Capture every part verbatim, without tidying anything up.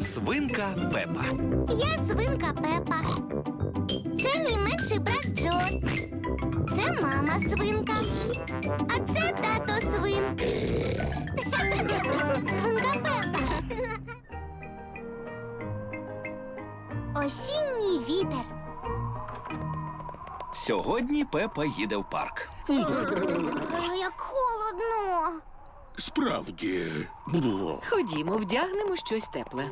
Свинка Пепа. Я свинка Пепа. Це мій менший брат Джо. Це мама свинка. А це тато свин. Свинка Пепа. Осінній вітер. Сьогодні Пепа їде в парк. Як холодно. Справді. Ходімо, вдягнемо щось тепле.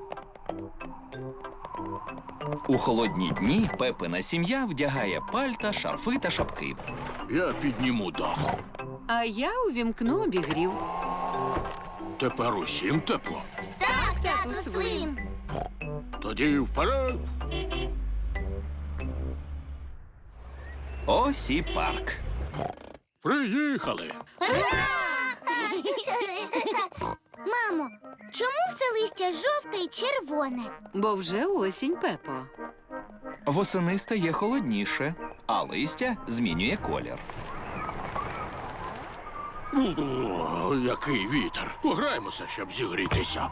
У холодні дні Пепина сім'я вдягає пальта, шарфи та шапки. Я підніму дах. А я увімкну обігрів. Тепер усім тепло. Так, тату тату свин. свин. Тоді вперед. Ось і парк. Приїхали. Мамо, чому все листя жовте і червоне? Бо вже осінь, Пепо. Восени стає холодніше, а листя змінює колір. О, який вітер. Пограємося, щоб зігрітися.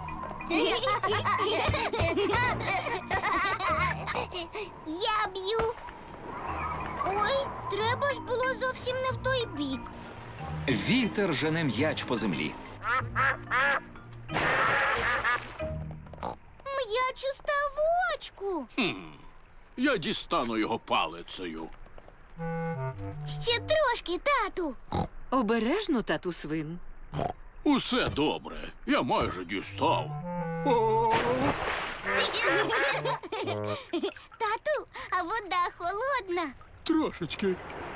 Я б'ю. Ой, треба ж було зовсім не в той бік. Вітер жене м'яч по землі. М'яч у ставочку. Я дістану його палицею. Ще трошки, тату. Обережно, тату свин. Усе добре. Я майже дістав. О, Тату, а вода холодна. трошечки.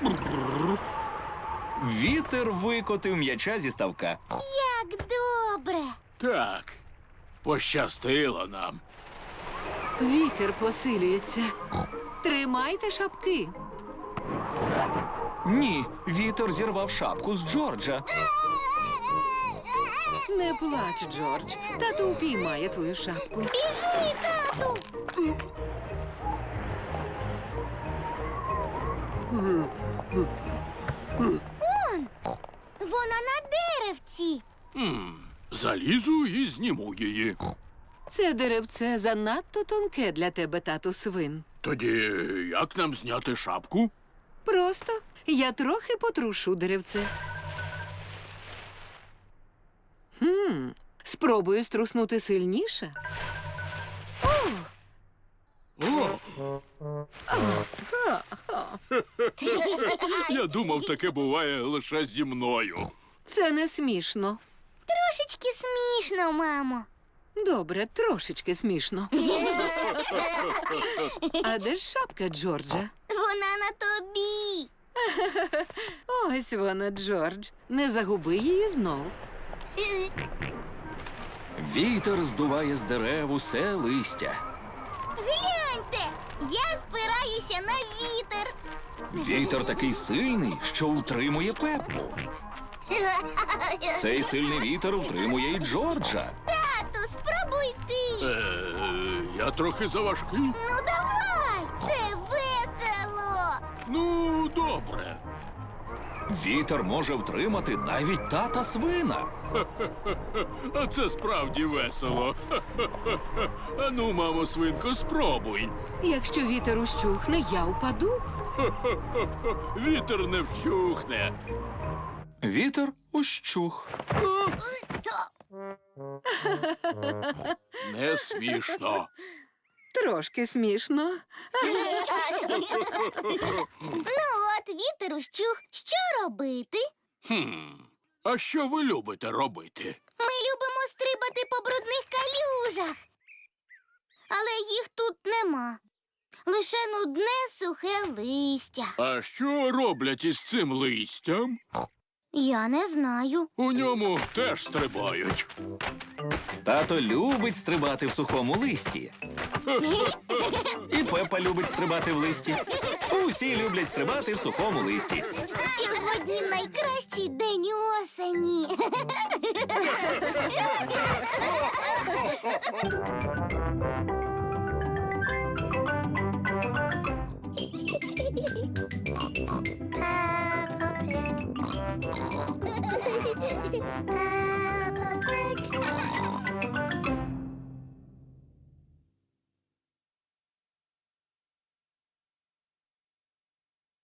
Вітер викотив м'яча зі ставка. Як добре. Так, пощастило нам. Вітер посилюється. Тримайте шапки. Ні, вітер зірвав шапку з Джорджа. Не плач, Джордж. Тато упіймає твою шапку. Біжи, тату. Он, вона на деревці. Залізу і зніму її. Це деревце занадто тонке для тебе, тату свин. Тоді як нам зняти шапку? Просто я трохи потрушу деревце. Хм, спробую струснути сильніше. О! Я думав, таке буває лише зі мною. Це не смішно. Трошечки смішно, мамо. Добре, трошечки смішно. А де ж шапка Джорджа? Вона на тобі. Ось вона, Джордж. Не загуби її знов. Вітер здуває з дерев усе листя. Гляньте, я спираюся на вітер. Вітер такий сильний, що утримує Пепу. Цей сильний вітер утримує і Джорджа. Тату, спробуй ти. Е, я трохи заважкий. Ну давай, це весело. Ну, добре. Вітер може втримати навіть тата свина. А це справді весело. Ану, мамо свинко, спробуй. Якщо вітер ущухне, я упаду. Вітер не вщухне. Вітер ущух. Не смішно. Трошки смішно. Ну от, вітер ущух. Що робити? Хм. А що ви любите робити? Ми любимо стрибати по брудних калюжах. Але їх тут нема. Лише нудне сухе листя. А що роблять із цим листям? Я не знаю. У ньому теж стрибають. Тато любить стрибати в сухому листі. І Пепа любить стрибати в листі. Усі люблять стрибати в сухому листі. Сьогодні найкращий день осені. Peppa Pig.